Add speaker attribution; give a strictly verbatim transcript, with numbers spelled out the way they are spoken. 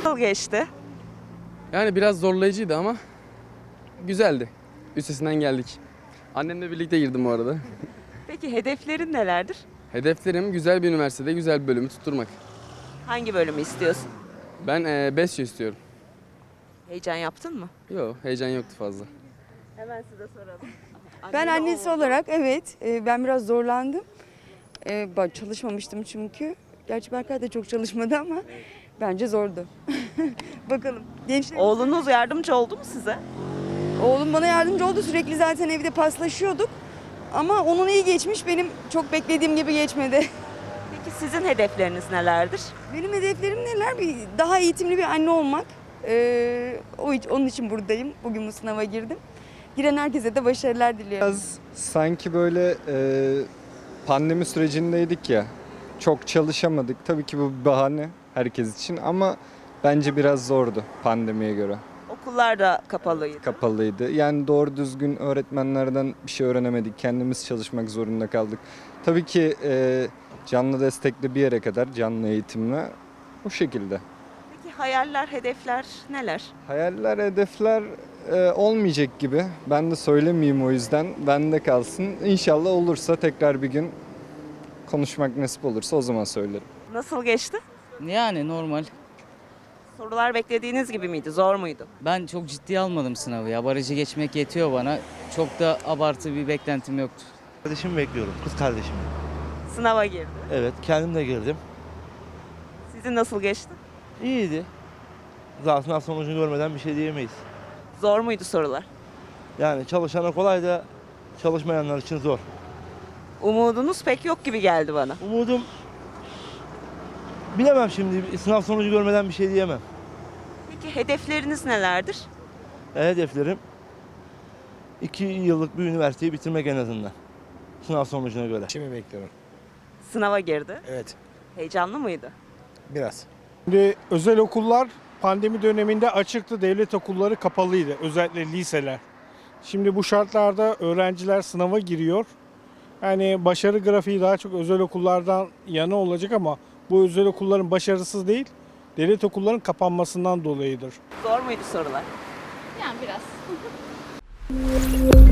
Speaker 1: Nasıl geçti?
Speaker 2: Yani biraz zorlayıcıydı ama güzeldi. Üstesinden geldik. Annemle birlikte girdim bu arada.
Speaker 1: Peki hedeflerin nelerdir?
Speaker 2: Hedeflerim güzel bir üniversitede güzel bir bölümü tutturmak.
Speaker 1: Hangi bölümü istiyorsun?
Speaker 2: Ben e, BESYO istiyorum.
Speaker 1: Heyecan yaptın mı?
Speaker 2: Yok, heyecan yoktu fazla.
Speaker 1: Hemen size soralım.
Speaker 3: Ben annesi olarak evet e, ben biraz zorlandım. E, ben çalışmamıştım çünkü. Gerçi Berkay da çok çalışmadı ama bence zordu. Bakalım. Gençler,
Speaker 1: Oğlunuz yardımcı oldu mu size?
Speaker 3: oğlum bana yardımcı oldu. Sürekli zaten evde paslaşıyorduk. Ama onun iyi geçmiş. Benim çok beklediğim gibi geçmedi.
Speaker 1: Peki sizin hedefleriniz nelerdir?
Speaker 3: Benim hedeflerim neler? Bir, daha eğitimli bir anne olmak. E, o onun için buradayım. Bugün bu sınava girdim. Giren herkese de başarılar diliyorum.
Speaker 4: Biraz sanki böyle e, pandemi sürecindeydik ya. Çok çalışamadık. Tabii ki bu bir bahane herkes için ama bence biraz zordu pandemiye göre.
Speaker 1: Okullar da kapalıydı.
Speaker 4: Kapalıydı. Yani doğru düzgün öğretmenlerden bir şey öğrenemedik. Kendimiz çalışmak zorunda kaldık. Tabii ki e, canlı destekli bir yere kadar canlı eğitimle bu şekilde.
Speaker 1: Peki hayaller, hedefler neler?
Speaker 4: Hayaller, hedefler e, olmayacak gibi. Ben de söylemeyeyim o yüzden. Bende kalsın. İnşallah olursa tekrar bir gün konuşmak nasip olursa o zaman söylerim.
Speaker 1: Nasıl geçti?
Speaker 5: Yani normal.
Speaker 1: Sorular beklediğiniz gibi miydi? Zor muydu?
Speaker 5: Ben çok ciddiye almadım sınavı ya. Barajı geçmek yetiyor bana. Çok da abartı bir beklentim yoktu.
Speaker 6: Kardeşimi bekliyorum, kız kardeşimi.
Speaker 1: Sınava girdi.
Speaker 6: Evet, kendim de girdim.
Speaker 1: Sizin nasıl geçti?
Speaker 6: İyiydi. Zaten sınav sonucunu görmeden bir şey diyemeyiz.
Speaker 1: Zor muydu sorular?
Speaker 6: Yani çalışana kolay da çalışmayanlar için zor.
Speaker 1: Umudunuz pek yok gibi geldi bana.
Speaker 6: Umudum, bilemem şimdi, sınav sonucu görmeden bir şey diyemem.
Speaker 1: Peki hedefleriniz nelerdir?
Speaker 6: E, hedeflerim iki yıllık bir üniversiteyi bitirmek en azından. Sınav sonucuna göre.
Speaker 7: Şimdi bekliyorum.
Speaker 1: Sınava girdi.
Speaker 7: Evet,
Speaker 1: Heyecanlı mıydı?
Speaker 7: biraz.
Speaker 8: Şimdi özel okullar pandemi döneminde açıktı, devlet okulları kapalıydı, özellikle liseler. Şimdi bu şartlarda öğrenciler sınava giriyor. Yani başarı grafiği daha çok özel okullardan yana olacak ama bu özel okulların başarısız değil, devlet okulların kapanmasından dolayıdır.
Speaker 1: Zor muydu sorular?
Speaker 9: Yani biraz.